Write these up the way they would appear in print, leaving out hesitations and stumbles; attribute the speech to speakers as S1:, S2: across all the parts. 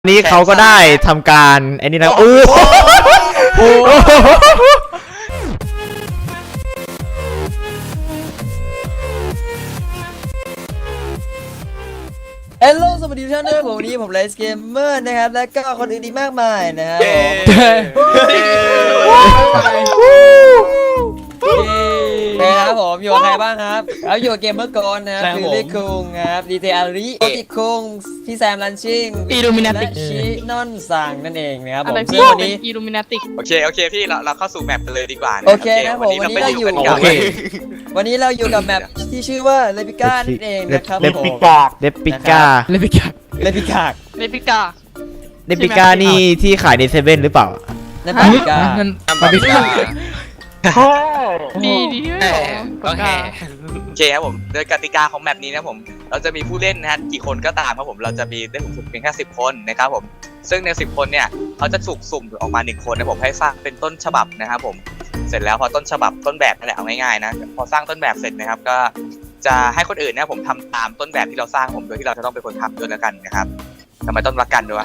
S1: นี้เขาก็ได้ทำการไอ้นี่นะ
S2: เฮลโลสวัสดีทุกท่านด้วยผมวันนี้ผมไลฟ์เกมเมอร์นะครับและก็คนอื่นอีกมากมายนะครับนะครับผมอยู่กับใครบ้างครับแล้วอยู่กับเกมเมอร์ก่อนนะครับคือเล็กคุงครับดีเทอาริโอติคุงพี่แซมลันชิงอิลูมินาติกชินอนสั่งนั่นเองนะครับผมซึ่งวันนี้
S3: อิลูมินาติก
S4: โอเคพี่เราเข้าสู่แมปกันเลยดีกว่า
S2: โอเคนะผมวันนี้เราอยู่กับแมปที่ชื่อว่าเลปิก้านั่นเองนะครับ
S1: เลปิก้านี่ที่ขายในเซเว่นหรือเปล่า
S2: เลปิก้า
S3: ดี
S4: โอเคครับผมโดยกติกาของแมปนี้นะผมเราจะมีผู้เล่นนะฮะกี่คนก็ตามครับผมเราจะมีได้สูงสุดเพียงแค่10 คนนะครับผมซึ่งใน10 คนเนี่ยเขาจะถูกสุ่มออกมา1 คนนะผมให้สร้างเป็นต้นฉบับนะครับผมเสร็จแล้วพอต้นฉบับต้นแบบนั่นแหละเอาง่ายๆนะพอสร้างต้นแบบเสร็จนะครับก็จะให้คนอื่นนะผมทำตามต้นแบบที่เราสร้างผมโดยที่เราจะต้องเป็นคนทำด้วยแล้วกันนะครับทำไมต้องรักกันด้วย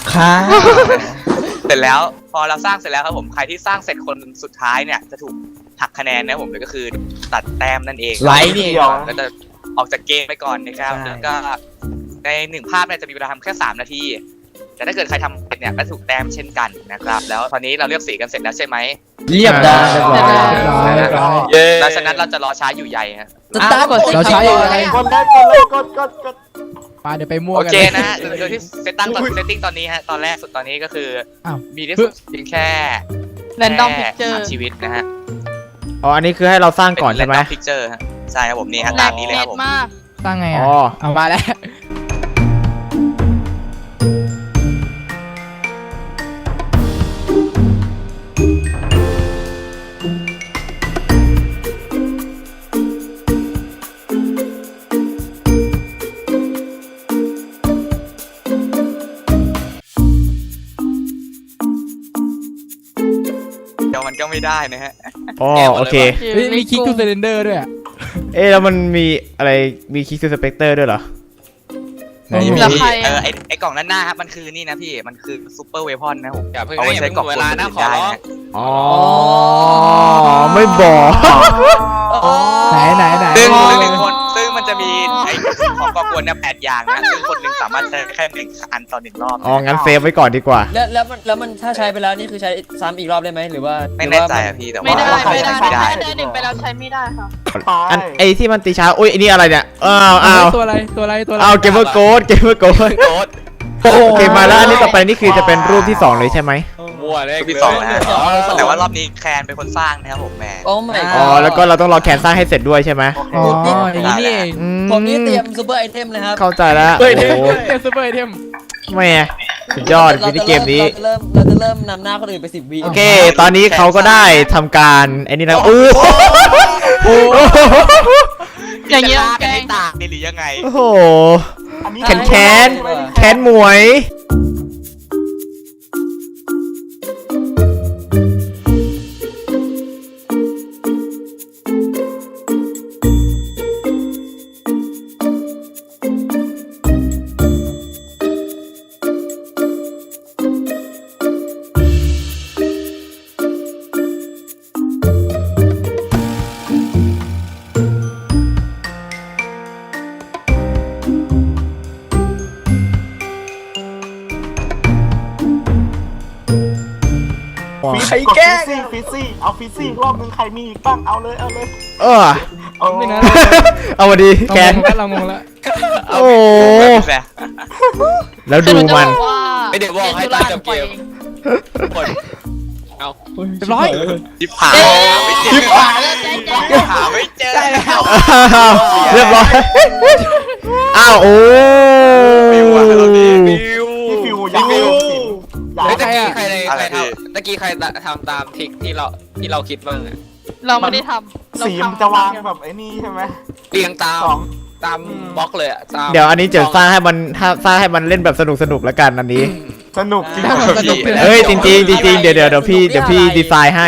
S4: เสร็จแล้วพอเราสร้างเสร็จแล้วครับผมใครที่สร้างเสร็จคนสุดท้ายเนี่ยจะถูกหักคะแนนนะผมเลยก็คือตัดแต้มนั่นเอง
S2: ไลท์นี่
S4: ก็จะออกจากเกมไปก่อนนะครับแล้วก็ใน1 ภาพเนี่ยจะมีเวลาทำแค่3 นาทีแต่ถ้าเกิดใครทำเสร็จเนี่ยก็ถูกแต้มเช่นกันนะครับแล้วตอนนี้เราเลือกสีกันเสร็จแล้วใช่ไหม
S2: เรียบร้อย
S4: ดังนั้นเราจะรอช้าอยู่ใหญ่ฮะ
S2: เราใช้อะไร
S5: กดมาเดี๋ยวไปมั่วกัน
S4: โอเคนะโดยที่เซตติ้งตอนนี้ฮะตอนแรกสุดตอนนี้ก็คือมีได้สุดเพียงแค่
S3: แรนดอมพิกเจอร์
S4: ชีวิตนะฮะ
S1: อ๋ออันนี้คือให้เราสร้างก่อนใช่ไหม
S4: พิกเจอร์ฮะใช่ครับผมนี่ฮะตามนี้เลยครับผม
S3: สร้างไง
S5: เอามาแล้ว
S4: เดี๋ยวมันก็ไม่ได้นะฮะ
S1: อ๋อโอเค
S5: มีคิกทูเซเลนเดอร์ด้วย
S1: แล้วมันมีอะไรมีคิกทูสเปกเตอร์ด้วยเหรอ
S4: ไอ้กล่องด้านหน้าครับมันคือนี่นะพี่มันคือซูเปอร์เวพอนนะผม
S6: เอาไว้ใช้กล่องเวลานะขอร้อง
S1: อ๋อไม่บอก
S5: ไหน
S4: ซึ่งมันจะมีไอ้ของก่อกวนเนี่ย8 อย่างนะซึ่งคนหนึ่งสามารถใช้แค่1 อันต่อ1 รอบ
S1: อ๋องั้นเซฟไว้ก่อนดีกว่า
S2: แล้วมันถ้าใช้ไปแล้วนี่คือใช้ซ้ำอีกรอบได้ไหมหรือว่า
S4: ไม่แน่ใจอะพี่แต่ว่า
S3: ไม่ได้1ไปแล้วใช้ไม่ได้ค่ะ
S1: อันไอที่มันตีช้าอุ้ยอันนี้อะไรเนี่ย
S5: ตัวอะไร
S1: เกมเมอร์โกดโอเคมาแล้วอันนี้ต่อไปนี่คือจะเป็นรูปที่2เลยใช่ไหม
S6: มั่วเลย
S4: ที่2นะแต่ว่ารอบนี้แคนเป็นคนสร้างนะครับผมแม่
S1: แล้วก็เราต้องรอแคนสร้างให้เสร็จด้วยใช่ไหม
S5: อย่างนี้เอง
S2: ผมนี่เตรียมซูเปอร์ไอเทมเลยครับ
S1: เข้าใจแล้ว
S5: ซูเปอร์ไอเทม
S1: แม่สุดยอดวิดีเกมนี้
S2: เราจะเริ่มนำหน้าคนอื่นไป10 วิ
S1: โอเคตอนนี้เขาก็ได้ทำการไอ้นี่นะ
S3: อย่างเงี้ย
S4: แกงตากนี่หรือยังไง
S1: โอ้โหแคนหมวย
S5: ใครแก้ฟิซี่เอาฟิซี่รอบนึงใครมีอีกบ้างเอาเลย
S1: ไม่นะเอามาดีแคน
S5: เรางงแล้ว
S1: โอ้แล้วดูมัน
S6: ไม่ได้บอกให้ตายกับเกมเอา
S5: เรียบร้อย
S4: จิบหาไม่เจอ
S1: เรียบร้อยโอ้
S4: ฟิวเราดี
S5: ฟิวอยากฟิว
S6: ตะกี้ใครทำตามทริคที่เราคิดบ้าง
S3: เราไม่ได้ทำ
S5: สีมันจะวางแบบไอ้นี่ใช่ไหม
S6: เรียงตามบล็อกเลยอ่ะ
S1: เดี๋ยวอันนี้จะสร้างให้มันเล่นแบบสนุกแล้วกันอันนี้
S5: สนุกจริง
S1: จริงเดี๋ยวพี่ดีไซน์ให้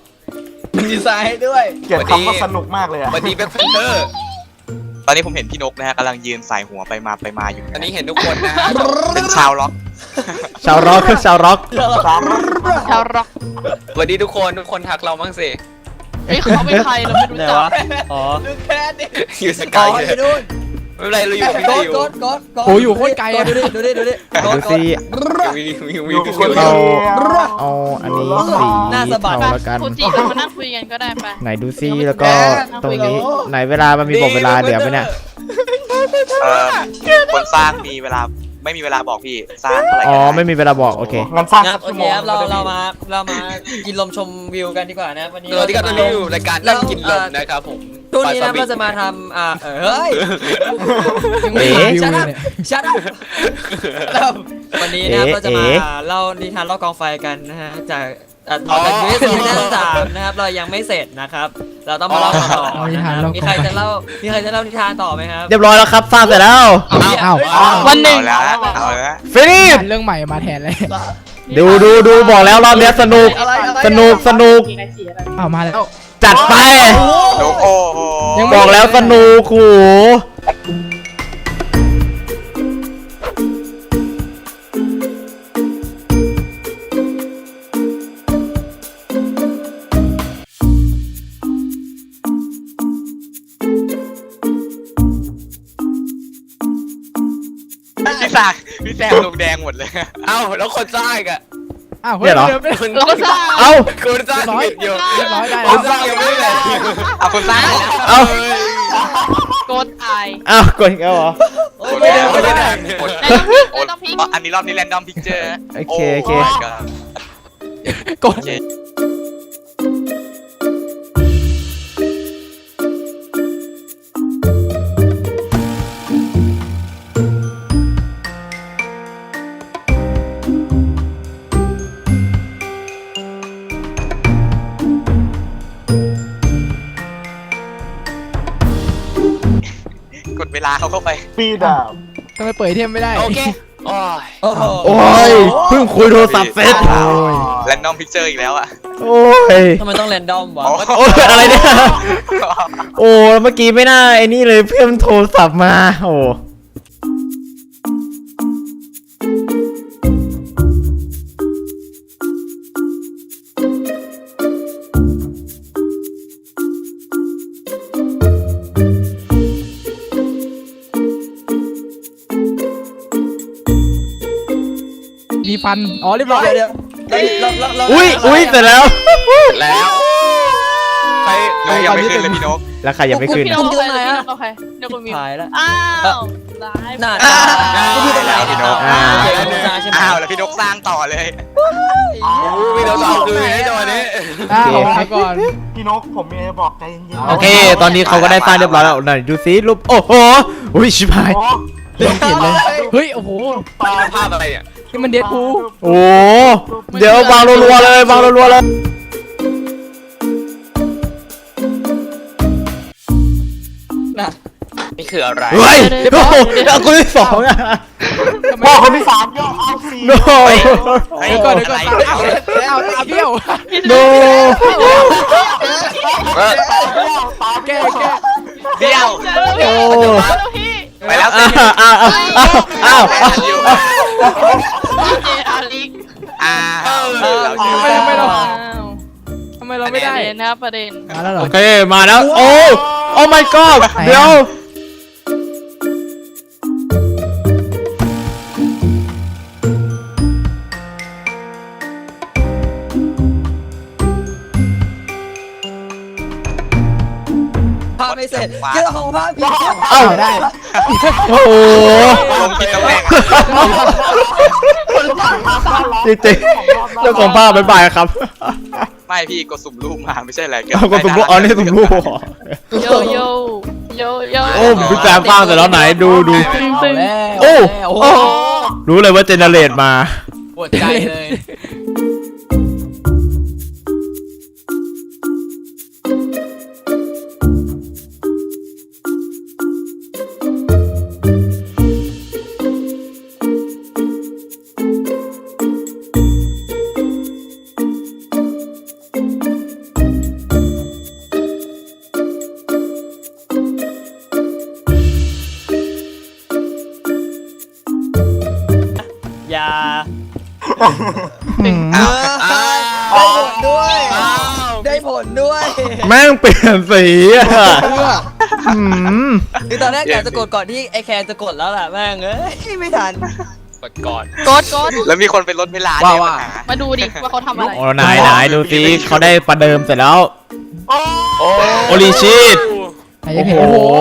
S5: ด้วยเกลียดคำว่าสนุกมากเลยอ่ะ
S6: วันนี้เป็นเฟนเตอร์
S4: ตอนนี้ผมเห็นพี่นกนะฮะกำลังยืนสายหัวไปมาอยู่
S6: อันนี้เห็นทุกคนนะ
S4: เป็นชาวล็อก
S1: ชาวร็อกชาวร็อก
S3: ชาวร็อก
S6: สวัสดีทุกคนทักเราบ้างสิ
S3: เฮ้ยเขาเป็นใครเราไม่รู้
S2: ไหน
S3: จัก
S2: วะอ๋อ
S6: อยู่ส
S2: อ๋
S6: กา
S2: อย อยู่นู่น
S6: ไม่เป็นไรเราอยู่กับพี่
S2: โก
S6: ติ
S2: ด
S6: ว
S2: โกด
S3: โอ้อยู่โคตรไกลอะ
S2: ดูดิดูดิ
S1: ดูสิ
S6: วิว
S1: เราเอาอันนี้สีเทาแล้วกัน
S3: ฟูจิเรามานั่งคุยกันก็ได้ไป
S1: ไหนดูซิแล้วก็ตรงนี้ไหนเวลามันมีบอกเวลาเหลือไหมเนี่ย
S4: คนสร้างมีเวลาไม่มีเวลาบอกพี่สร้างเท่าไหร่
S1: อ๋อ
S4: ก็
S1: ไม่มีเวลาบอกโอเค
S5: งั้นสร้าง
S2: ครับ
S5: สัก
S2: โอ
S5: ชั่ว
S2: เค
S5: โมง
S2: ครับเรามากินลมชมวิวกันดีกว่านะวันนี้
S6: เราที่กันรีวิวรายการนั่งกินลมนะครับผม
S2: ช่วงนี้นะเราจะมาทำเฮ้ย
S1: เอ๊ะ
S2: ชัดวันนี้นะครับเราจะมาเล่านิทานเล่ากองไฟกันนะฮะจากตอนจากซีซั่น3นะครับเรายังไม่เสร็จนะครับ เราต้องมาเล่าต่อนะครับมีใครจะเล่านิทานต่อไหมครับ
S1: เรียบร้อยแล้วครับสร้างเสร็จแล้ว
S3: อ้าว
S4: วันหนึ่งเอาละ
S1: ฟินิช
S3: เรื่องใหม่มาแทนเลย
S1: ดูบอกแล้วรอบเนี้ยสนุก
S3: อ้าวมาแล้ว
S1: จัดไป
S4: โอ้โห
S1: บอกแล้วสนุกโห
S4: พี่แซมลงแดงหมดเลย
S6: เอ้าแล้วคนสร้างอ่ะ
S3: อ้าว
S1: เนี่ยเหรอ
S6: คน
S3: เราก็สร้าง
S1: เอ้า
S6: คนสร้างผิดอยู่
S3: ร้อยได้
S6: คนสร้างยังไม่ได้
S4: เอาคนสร้าง
S1: เอ้า
S3: โกดไอ
S1: เอ้ากดอีกแล้วเหรอ
S6: ไม่ได้ไม่ได้
S3: แล้วต้องพิง
S4: อันนี้รอบนี้แรนดอมพิกเจอร์
S1: โอเคโอเค
S3: กด
S4: กดเวลาเขาเข้าไป
S5: ปีดาบ
S3: ทำไมเปิดเทมไม่ได้
S6: โอเคโอ้ย
S2: โอ้โห
S1: โอ้ยเพิ่งคุยโทรศัพท์เสร็จ
S4: แรนดอมพิกเจอร์อีกแล้วอ่ะ
S1: โอ้ย
S2: ทำไมต้องแรนดอมวะ
S1: โอ้ยอะไรเนี่ยโอ้เมื่อกี้ไม่น่าไอ้นี่เลยเพื่อนโทรศัพท์มาโอ้
S3: มีฟันอ๋อเรียบร้อย
S2: เดี๋ยวเรา
S1: อุ้ยเสร็จแล้ว
S6: แล้วใคร
S4: ยังไม่ขึ้นเลยพี่นก
S1: แล้วใครยังไม่ขึ้น
S3: พี่
S1: นะ
S3: น้องใครโอเคเดี๋ยวคุณมี
S2: หายแล้ว
S3: อ้าวไลฟ์
S2: น่า
S4: พี่นก
S2: ใช่ไหม
S4: อ้าวแล้วพี่นกสร้างต่อเลย
S6: มีเราสองคือให้ตัวนี้
S3: อ้าวไปก่อน
S5: พี่นกผมมีอะไรบอกใจเย็นๆ
S1: โอเค ตอนนี้เขาก็ได้สร้างเรียบร้อยแล้วไหนดูซิรูปโอ้โหอุ้ยชิบหาย
S5: โอ้
S3: เล่นเปลี่ยนเลยเฮ้ยโอ้โห
S5: ปลา
S6: ภาพอะไรอ่ะ
S3: นี่มันเดดพูล
S1: โอ้เดี๋ยววางรัวๆเลยวางรัวๆเลย
S6: นี่คืออะไร
S1: เฮ้ยโอ้โหเอาคนที่สองอ่ะ
S5: พ่อคนที่สามย่อเอาสี่
S1: โน
S3: เดี๋ยวก่อนเอาตาเบี้ยว
S1: โน
S5: ตา
S3: แก้
S5: เบี้ยว
S3: แก้
S4: เดียว
S1: โอ้
S4: ไปแล้ว
S1: อ้าวอ้าวอ้าว
S3: เจอาลิก
S6: ทำไมเราไม่ได้
S3: นะครับประเด็น
S1: มาแล้วเหรอโอเคมาแล้วโอ้โอ้ my god เดี๋ยว
S2: ภาพไม่เสร็จเรื่องของภาพผิด
S1: เอ้าได้โอ้โห
S4: ลงผิดตำแหน่ง
S1: จริงๆเจ้าของภาพบ๊ายบายครับ
S4: ไม่พี่กดสุ่มรูปมาไม่ใช่อะไร
S1: เอาก็สุ่มรูปอ๋อนี่สุ่มรูปเหรอ
S3: โยโยโยโย
S1: โอ้พี่แซมสร้างเสร็จแล้วไหนดู โอ้
S2: โอ้
S1: รู้เลยว่าเจเนเรตมา
S2: ปวดใจเลย อย่า
S1: อืม
S2: ได้ผลด้วย ได้ผลด้วย
S1: แม่งเปลี่ยนสีอ่ะอืม
S2: คือตอนแรกอยากจะกดก่อนที่ไอแคนจะกดแล้วแหละแม่งเอ้ยไม่ทัน
S6: กดก่อน
S7: กด
S4: แล้วมีคนเป็นรถเวลาด้วยปัญหา
S7: มาดูดิว่าเขาทำอะไร
S1: โอ้ไหนดูสิเขาได้ประเดิมเสร็จแล้ว
S4: โอ้
S1: โอลิชิตโอ้โห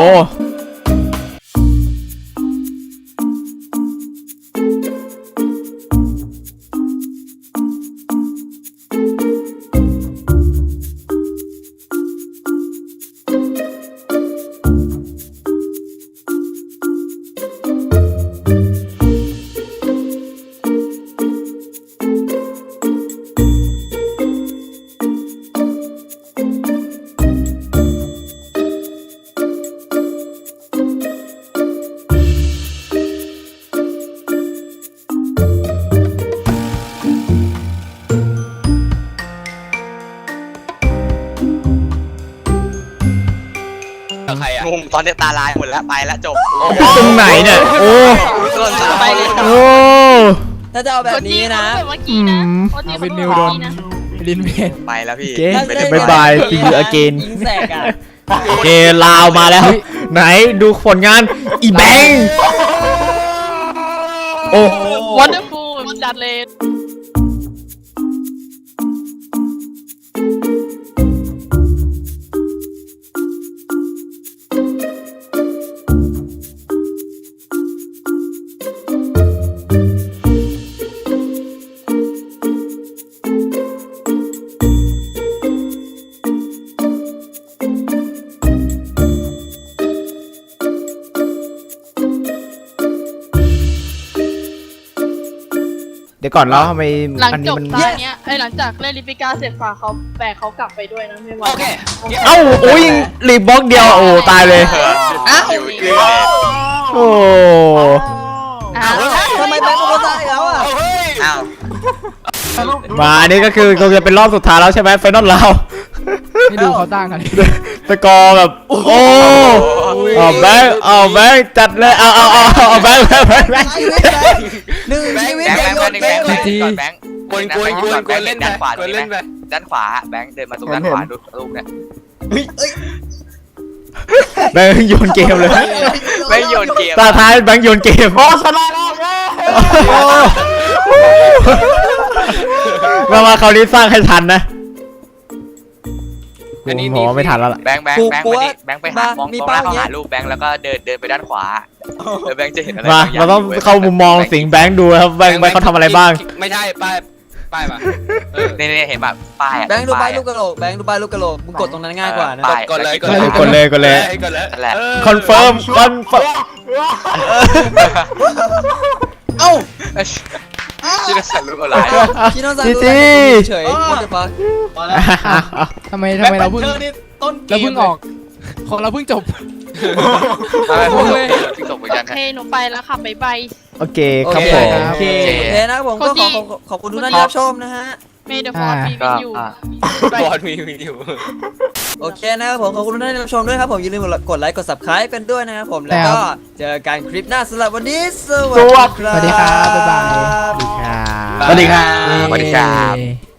S6: ใครอ่ะ
S4: งงตอนนี้ตาลายหมดแล้วไปแล้วจบ
S1: ตรงไหนเนี่ยโอ้
S4: ต้นสาย
S2: ไปเลย
S1: โอ้
S2: ถ้าจะเอาแบบนี้นะ
S7: เมื่อกี้นะโอจีเป็นนิวโดนนะ
S3: ลินเวท
S4: ไปแล้วพี่
S1: เก
S4: ไปเลย
S1: บายบายซีอูอเกน
S2: ยิงแสกอ่ะ
S1: เกลาวมาแล้ว ไหนดูผลงานอีแบงค์โอ้
S7: วันเดอร์ฟูลจัดเลย
S1: เดี๋ยวก่อนแล้วทำไม
S7: หลัง
S1: อัน
S7: จ
S1: นี้
S7: บ
S1: มัน
S7: ตาเนี้ยหลังจากเล่นลิปิก้าเสร็จฝากเขาแบกเขากลับไปด้วยนะไม่ว่า
S6: โอเค
S1: เอ้าโอ้ยรีบบล็อกเดียวโอ้ตายเลย
S7: อ้าว
S1: โอ้
S7: อ้าว
S2: ทำไมแบงค์เป็นคนตายแล้วอ่ะ
S6: เฮ้ย
S4: อ้าว
S1: มาอันนี้ก็คือคงจะเป็นรอบสุดท้ายแล้วใช่ไหมไฟนอลเรา
S3: ให้ดูเขาตั้งกัน
S1: สกอร์แบบโอ้เอาแบงค์จัดเลยเอาแบงค์
S2: ชีวิตแบงค์หนึ่งชีวิต
S4: แบงค์
S2: อย่า
S4: แบ
S2: โย
S4: ง
S2: น
S4: ค์
S2: เก
S4: แบง
S2: ม
S4: ค์ก่อนแบงค์
S6: กวนเล่นไป
S4: ด้านขวาก
S6: วนเล่นไป
S4: ด้านขวาแบงค์เดินมาตรงด้านขวาดูลูกเนี่ย
S1: แบงค์โยนเกมเลย
S4: ไม่โยนเกม
S1: ตาท้ายแบงค์โยนเกม
S5: โอ้ชนะแล้วเย้
S1: มาคราวนี้สร้างให้ทันนะผมว่าไม่ทันแล้วล่ะ
S4: แบงค์มาดิแบงค์ไปหามองตรงหน้าเขาหาลูกแบงค์แล้วก็เดินไปด้านขวาแล้วแบงค์จะเห็นอะไร
S1: มาเราต้องเข้ามุมมองสิงแบงค์ดูครับแบงค์เขาทำอะไรบ้าง
S6: ไม่ใช่ป้ายป่ะ
S4: เนี่ยเห็นแบบป้าย
S2: แบงค์ดูป้ายลูกกระโหลกแบงค์ดูป้ายลูกกระโหลกมึงกดตรงนั้นง่ายกว่านะ
S6: กดเลย
S1: กดเลย
S4: นั่นแหละ
S1: คอนเฟิร์ม
S2: เอ้า
S4: ที่เราใส่ลูกอะไร
S2: พี่น้องสั่ง
S1: จี
S2: ดู
S1: จี
S2: เฉยๆ what the fuck
S3: ทำไมเราเพิ่งออกของเราเพิ่งจบ
S4: ที่ตกเหมือนกัน
S7: โอเคหนูไปแล้วค่ะบ๊ายบาย
S1: โอเคครับผม
S2: โอเคนะครับผมก็ขอบคุณทุกท่านที่รับชมนะฮะ
S7: เมย์เดอะฟอร์ดมีวินอยู่
S6: บอลมีอยู่
S2: โอเคนะครับผมขอบคุณทุกท่านที่รับชมด้วยครับผมอย่าลืมกดไลค์กด subscribe กันด้วยนะครับผมแล้วก็เจอกันคลิปหน้าสำหรับวันนี้สวัสดีครับ
S3: สวัสดีครับบ๊ายบาย
S1: สวัสดีครับ
S4: สวัสดีครับ
S1: เย้